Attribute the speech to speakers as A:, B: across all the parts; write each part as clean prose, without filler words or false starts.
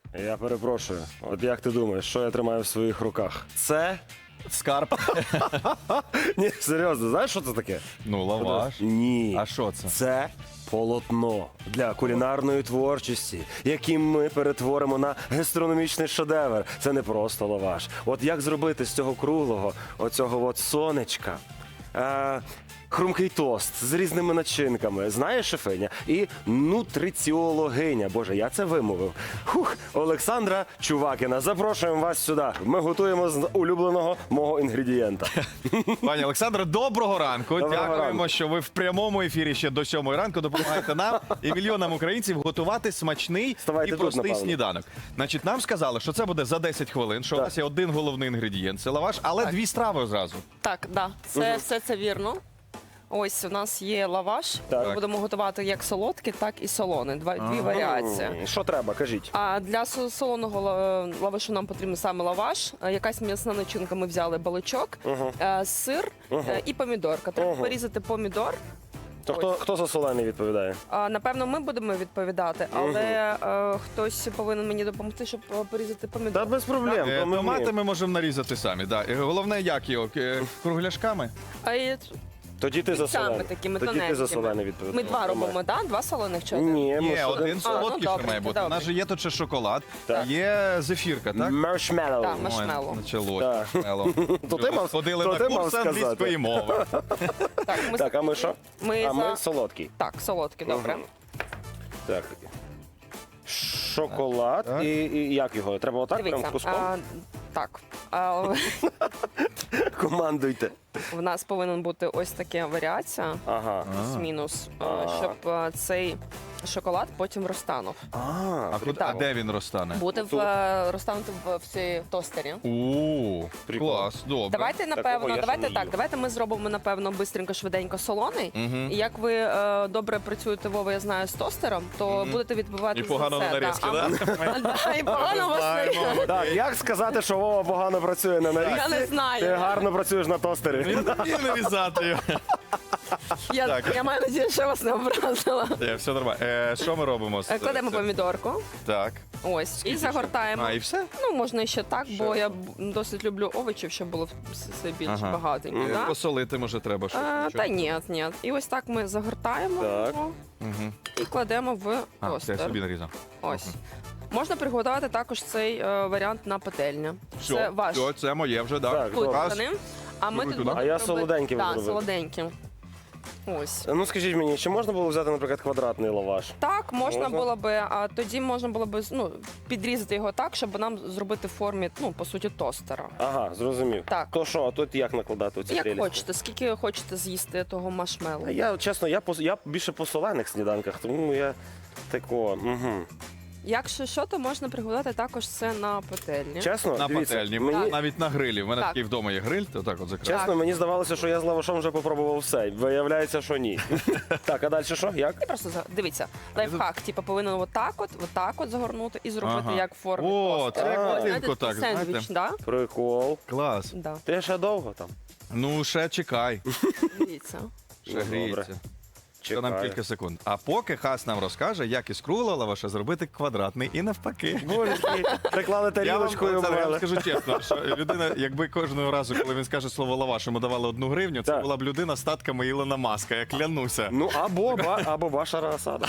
A: Я перепрошую. От як ти думаєш, що я тримаю в своїх руках? Це?
B: Скарб.
A: Ні, серйозно, знаєш, що це таке?
B: Ну, лаваш.
A: Ні.
B: А що це?
A: Це полотно для кулінарної творчості, яким ми перетворимо на гастрономічний шедевр. Це не просто лаваш. От як зробити з цього круглого, оцього от сонечка, хрумкий тост з різними начинками. Знаєш, шефиня? І нутриціологиня. Боже, я це вимовив. Олександра Чувакіна. Запрошуємо вас сюди. Ми готуємо з улюбленого мого інгредієнта.
B: Пані Олександро, доброго ранку.
A: Доброго
B: Дякуємо,
A: ранку.
B: що ви в прямому ефірі ще до 7 ранку допомагаєте нам і мільйонам українців готувати смачний
A: Вставайте
B: і
A: тут,
B: простий
A: напевно.
B: сніданок. Значить, нам сказали, що це буде за 10 хвилин, що у
A: Так.
B: нас є один головний інгредієнт – це лаваш, але дві страви одразу.
C: Так, да, все це вірно. Ось у нас є лаваш.
A: Так.
C: Ми будемо готувати як солодкий, так і солоний. Дві варіації.
A: Що треба, кажіть.
C: А для солоного лавашу нам потрібен саме лаваш, якась м'ясна начинка. Ми взяли баличок, сир і помідорка. Треба порізати помідор.
A: То хто за солений відповідає?
C: Напевно, ми будемо відповідати, але хтось повинен мені допомогти, щоб порізати помідор.
A: Та без проблем. то ми
B: Томати
A: вміємо.
B: ми можемо нарізати самі. Да. І головне, як його? Кругляшками?
C: А і
A: Тоді ти за
C: саме
A: солений.
C: такими
A: Тоді ти за
C: тоненькими.
A: солений відповідаєш.
C: Ми два робимо, так? Два солоних чи один?
A: Ні, ми
B: Є,
A: ж
B: один солодкий ще
C: добре,
B: має бути. У нас
C: добре.
B: же є тут ще шоколад,
A: Так.
B: є зефірка, так?
A: Маршмеллоу.
C: Так, маршмеллоу.
B: Ой, началось.
A: Так.
B: Маршмеллоу.
A: То ти мав-
B: Ходили
A: то
B: на
A: ти мав
B: курс
A: сказати.
B: англійської мови.
A: Так, а ми що?
C: Ми
A: А ми
C: за...
A: солодкий.
C: Так, солодкий, добре.
A: Мгм. Так. Шоколад.
B: Так.
A: І як його? Треба отак прям
C: Дивіться,
A: куском?
C: так.
A: Командуйте.
C: В нас повинен бути ось така варіація,
A: Ага.
C: плюс-мінус, щоб цей шоколад потім розтанув.
B: А
C: Так.
B: де він розтане?
C: Буде
A: Тут.
C: розтанути в цій тостері.
B: О,
A: Прикол.
B: клас, добре.
C: Давайте,
A: Такого
C: напевно,
A: я ще
C: давайте
A: не
C: так,
A: їв.
C: давайте ми зробимо, напевно, бистренько, швиденько солоний.
B: Мгм.
C: І як ви добре працюєте, Вова, я знаю, з тостером, то будете відбивати
B: І погано
C: за
B: на
C: все.
B: нарізки,
C: А
B: да?
C: ми- Да, і погано вас
B: Знаємо.
A: Так, як сказати, що Вова погано працює на нарізці?
C: Я не знаю.
A: Ти гарно працюєш на тостері.
B: Він вміє нарізати його. Так.
C: Я маю надію, що я вас не образила.
B: Все нормально. Що ми робимо?
C: Кладемо помідорку.
B: Так.
C: Ось, і загортаємо.
B: А, і все?
C: Ну, можна ще так, бо я досить люблю овочів, щоб було все більш
B: Ага.
C: багатенько. Да?
B: Посолити, може, треба щось.
C: Та ні, ні. І ось так ми загортаємо
A: Так.
C: його
B: Мгм.
C: і кладемо в
B: А, це я
C: тостер.
B: собі нарізав.
C: Ось. Можна приготувати також цей варіант на пательня. Це
B: Все,
C: ваш
B: все, це моє вже, так.
A: Так, добре.
B: Раз.
C: кухонний. А ми
B: Ви
C: тут
B: туди?
C: будемо
A: А я
C: робити-
A: солоденьким
C: Так,
A: зробив.
C: солоденьким. Ось.
A: Ну скажіть мені, чи можна було взяти, наприклад, квадратний лаваш?
C: Так, можна
A: Можна?
C: було би, а тоді можна було би підрізати його так, щоб нам зробити в формі, по суті, тостера.
A: Ага, зрозумів.
C: Так.
A: То що, а тут як накладати оці
C: Як
A: прелісті?
C: хочете, скільки хочете з'їсти того машмелу.
A: А я, чесно, я більше по солених сніданках, тому я тако. Угу.
C: Якщо що, то можна приготувати також це на пательні.
A: Чесно,
B: На
A: дивіться,
B: пательні,
A: мені,
B: навіть на грилі. У мене
C: Так.
B: такий вдома є гриль, то так от закрив.
A: чесно, мені здавалося, що я з лавашом вже попробував все. Виявляється, що ні. Так, а далі що? Як?
C: І просто дивіться, лайфхак, повинен отак от загорнути і зробити
B: Ага.
C: як в формі
B: О,
C: тостера.
B: це як
C: От,
B: будинку
C: знаєте,
B: так,
C: сендвіч,
B: знаєте.
C: да?
A: Прикол.
B: Клас.
C: Да.
A: Ти ще довго там?
B: Ну, ще чекай.
C: Дивіться.
B: Ще
A: Ну,
B: гріється.
A: добре.
B: Це нам
A: Чекаю.
B: кілька секунд. А поки Хас нам розкаже, як із круглого лаваша зробити квадратний і навпаки.
A: Боже, приклали тарілочку і
B: Я вам
A: обрали.
B: скажу чесно, що людина, якби кожного разу, коли він скаже слово лаваш, йому давали 1 гривню, це
A: Так.
B: була б людина з татками Ілона Маска, я клянуся.
A: Ну, або Башара Асада.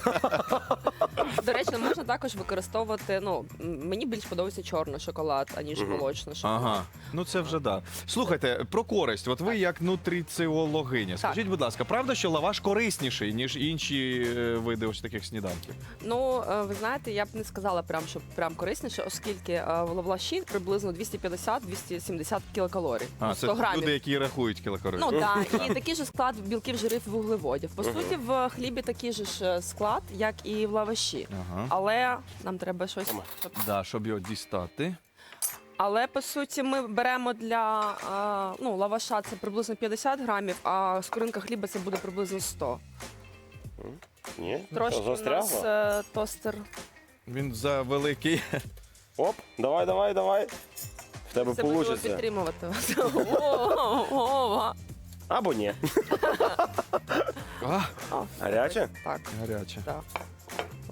C: До речі, можна також використовувати, мені більш подобається чорний шоколад, аніж молочний шоколад.
B: Ага, ну це вже да. Слухайте, про користь. От ви як нутриціологиня. Скажіть, будь ласка, правда, що лаваш корисніший, ніж інші види ось таких сніданків?
C: Ну, ви знаєте, я б не сказала що прям корисніше, оскільки в лаваші приблизно 250-270 кілокалорій.
B: А,
C: 100
B: це
C: грамів.
B: люди, які рахують кілокалорії.
C: Ну так, і такий же склад білків, жирів, вуглеводів. По суті, в хлібі такий же ж склад, як і в лаваші.
B: Ага.
C: Але нам треба щось.
B: Да, щоб його дістати.
C: Але по суті, ми беремо для лаваша це приблизно 50 грамів, а скоринка хліба це буде приблизно 100.
A: Ні?
C: Трошки
A: Що,
C: у нас
A: застрягло?
C: тостер.
B: Він за великий.
A: Оп, давай. В тебе
C: Це можливо
A: вийде.
C: підтримувати вас. Ова.
A: Або ні.
B: А,
A: Гаряче?
C: Так,
B: гаряче.
C: так.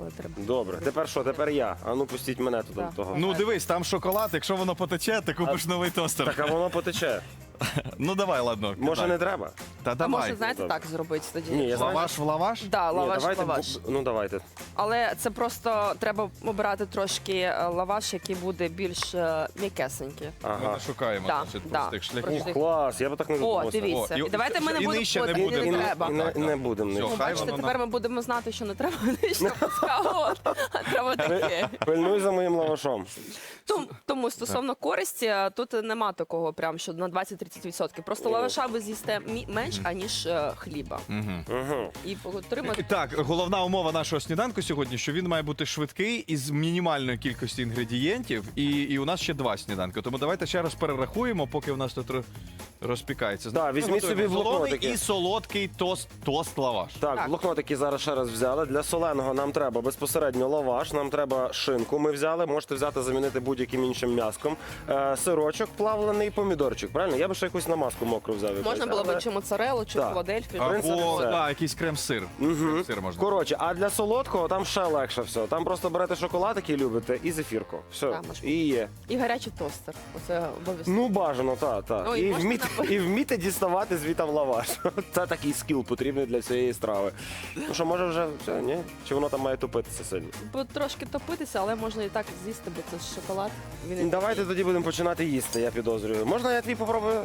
C: коли треба.
A: Добре, тепер що? Тепер я. А ну пустіть мене туди.
C: Так.
A: до того.
B: Ну дивись, там шоколад, якщо воно потече, ти купиш новий тостер.
A: Так, а воно потече.
B: Ну давай, ладно.
A: Може,
B: кидай.
A: не треба?
B: Та
C: А
B: давай.
C: може, знаєте,
A: Добре.
C: так зробити тоді?
A: Ні, я знаю.
B: Лаваш в лаваш?
C: Да,
A: Ні,
C: лаваш,
A: давайте,
C: лаваш.
A: ну давайте.
C: Але це просто треба обирати трошки лаваш, який буде більш м'якесенький.
B: Ми
A: Ага.
B: не шукаємо
C: Да,
B: значить,
C: да.
B: простих шляхів.
C: Простих.
A: Клас, я б так не
C: О,
A: задумався.
C: дивіться.
B: О, і-
C: І давайте ми не
B: і
C: будемо
B: нижче не
C: путати,
B: будемо.
C: не
A: І
C: треба.
A: не,
B: Так,
A: не
B: так.
A: будемо.
B: Все,
A: нижче.
B: хай
C: Бачите,
B: воно
C: тепер ми будемо знати, що не треба нижче пускати, а треба таке.
A: Пильнуй за моїм лавашом.
C: Тому стосовно користі, тут нема такого прям, що на 20-30%. Просто лаваша ви з'їсте менш, аніж хліба.
B: Мгм.
A: Угу.
C: І отримати
B: Так, головна умова нашого сніданку сьогодні, що він має бути швидкий із мінімальною кількістю інгредієнтів, і у нас ще 2 сніданки. Тому давайте ще раз перерахуємо, поки у нас тут розпікається.
A: Да, візьміть
B: Ми готуємо
A: собі
B: солоний
A: блокнотики.
B: і солодкий тост-лаваш.
A: Так,
C: Так.
A: блокнотики зараз ще раз взяли. Для соленого нам треба безпосередньо лаваш, нам треба шинку. Ми взяли, можете взяти, замінити будь-яким іншим м'яском. Сирочок, плавлений помідорчик. Правильно? Я би ще якусь намазку мокру взяв. якусь,
C: можна було
A: але-
C: б чи моцарелу, чи
A: Так.
C: філадельфію.
A: принципі,
B: Або
A: все.
B: да, якийсь крем-сир. Крем-сир можна.
A: Коротше, а для солодкого там ще легше все. Там просто берете шоколад, який любите, і зефірку. Все.
C: Так, можна.
A: І є.
C: І гарячий тостер. Оце обов'язково.
A: Ну, бажано, так.
C: Ну, і
A: І,
C: можна
A: і вміти діставати звітам лаваш. Це такий скіл потрібний для цієї страви. Ну що, може вже все, ні? Чи воно там має топитися сильно?
C: Бо трошки топитися, але можна і так з'їсти, бо це ж шоколад. Він і
A: Давайте тоді будемо починати їсти, я підозрюю. Можна я твій попробую?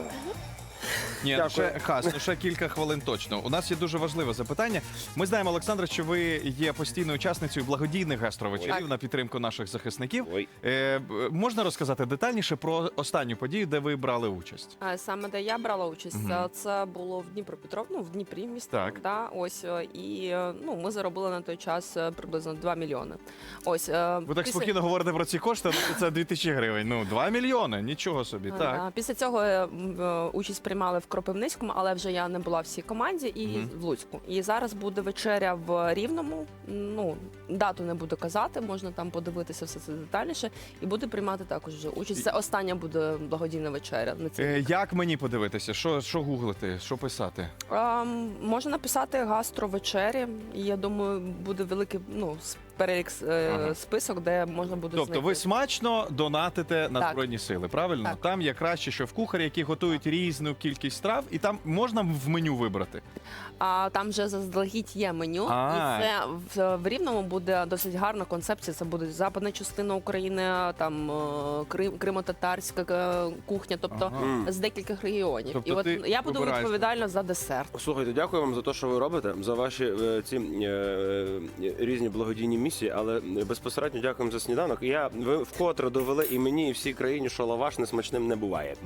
B: Ні, ну
A: Дякую.
B: ще Хас, ну ще кілька хвилин точно. У нас є дуже важливе запитання. Ми знаємо, Олександра, що ви є постійною учасницею благодійних гастровечерів
C: Так.
B: на підтримку наших захисників.
A: Ой.
B: Можна розказати детальніше про останню подію, де ви брали участь?
C: Саме де я брала участь,
B: Мгм.
C: це було в Дніпропетровську, в Дніпрі місті.
B: Так.
C: Да, ось і ну ми заробили на той час приблизно 2 мільйони. Ось
B: Ви так спокійно говорите про ці кошти, ну це 2000 гривень. Ну, 2 мільйони, нічого собі. Так.
C: Після цього участь приймали в Кропивницькому, але вже я не була в цій команді і
B: Мгм.
C: в Луцьку. І зараз буде вечеря в Рівному. Ну дату не буду казати, можна там подивитися все це детальніше. І буду приймати також вже участь. Це остання буде благодійна вечеря на цій.
B: Як мені подивитися? Що гуглити? Що писати?
C: Можна написати гастровечері, і я думаю, буде великий перелік
B: Ага.
C: список, де можна буде
B: Тобто ви смачно донатите на
C: Так.
B: Збройні Сили, правильно?
C: Так.
B: Там є краще, що в кухарі, які готують різну кількість страв, і там можна в меню вибрати.
C: А там вже заздалегідь є меню,
B: А.
C: і це в Рівному буде досить гарна концепція. Це буде западна частина України, там кримо-татарська кухня, тобто
B: Ага.
C: з декількох регіонів.
B: Тобто
C: І от
B: ти
C: я буду
B: вибираєш.
C: відповідальна за десерт.
A: Слухайте, дякую вам за те, що ви робите, за ваші ці різні благодійні місії, але безпосередньо дякуємо за сніданок. Ви вкотре довели і мені, і всій країні, що лаваш несмачним не буває.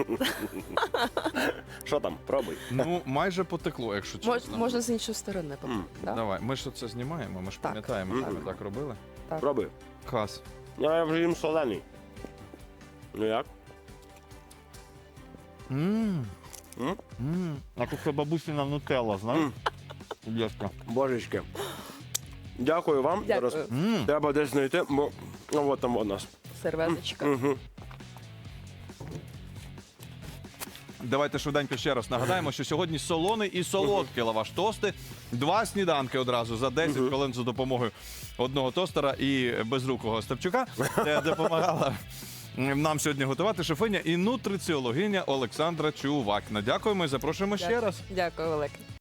A: Що там, пробуй.
B: Ну, майже потекло, якщо чесно.
C: Можна з іншої сторони. Да?
B: Давай, ми ж це знімаємо, ми ж
C: Так.
B: пам'ятаємо, що
A: Мгм.
B: ми так робили.
A: Пробуй.
B: Клас.
A: Я вже їм солений. Ну як? М?
B: А тут це бабусіна нутелла, знаєш?
A: М. Божечки. Дякую вам.
C: Дякую.
A: Зараз треба десь знайти, бо от там у нас.
C: Серветочка.
A: Угу.
B: Давайте швиденько ще раз нагадаємо, що сьогодні солоний і солодкий лаваш тости. 2 сніданки одразу за 10 хвилин за допомогою одного тостера і безрукого Степчука, де допомагала нам сьогодні готувати шефиня і нутриціологиня Олександра Чувакіна. Дякуємо і запрошуємо ще раз.
C: Дякую велике.